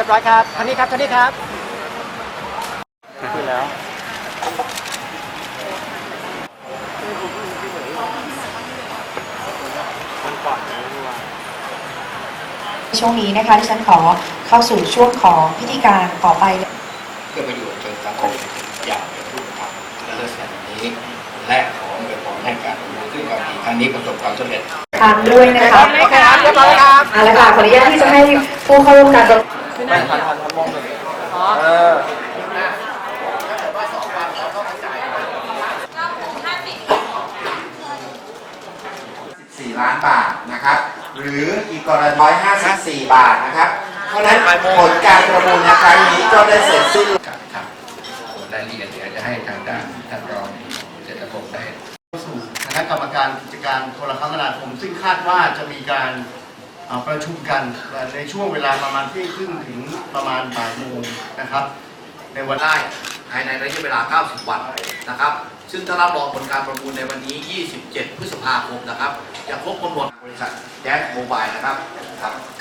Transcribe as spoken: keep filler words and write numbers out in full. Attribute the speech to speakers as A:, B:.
A: บร้อยครับท่านนี้ครับท่านนี้ครับคุยแล้ว
B: ช่วงนี้นะคะที่ฉันขอเข้าสู่ช่วงของพิธีการต่อไป
C: เพื่อประโยชน์จนสังคมอย่างเป็นรูปธรรมและเลิศแสนนี้และขออวยพรให้การรู้ซึ่งความดีครั้งนี้ประสบความสำเร็จ
B: ตามด้วยนะคะ
A: โอเคครับเรียบร้อยครับ
B: เอาละค่ะขออนุญาตที่จะให้ผู้เข้าร่วมการประ
A: ไม่ทันทันทันมองเลยเออ
D: สี่ล้านบาทนะครับหรืออีกกรณีร้อยห้าสิบสี่บาทนะครับเพราะนั้นผลการประมูลในครั้งนี้ก็ได้เสร็จสิ้น
C: ครับส่วนรายละเอียดเดี๋ยวจะให้ทางด้านท่านรองเจตพงศ์ได้
E: สู่คณะกรรมการกิจการโทรคมนาคมซึ่งคาดว่าจะมีการประชุมกันในช่วงเวลาประมาณเที่ยงครึ่งถึงประมาณบ่ายโมงนะครับในวัน
F: ได้ภายในระยะเวลาเก้าสิบวันนะครับซึ่งถ้ารับรองผลการประมูลในวันนี้ยี่สิบเจ็ดพฤษภาคมนะครับจะครบกำหนดบริษัทแจ๊สโมบายนะครับครับ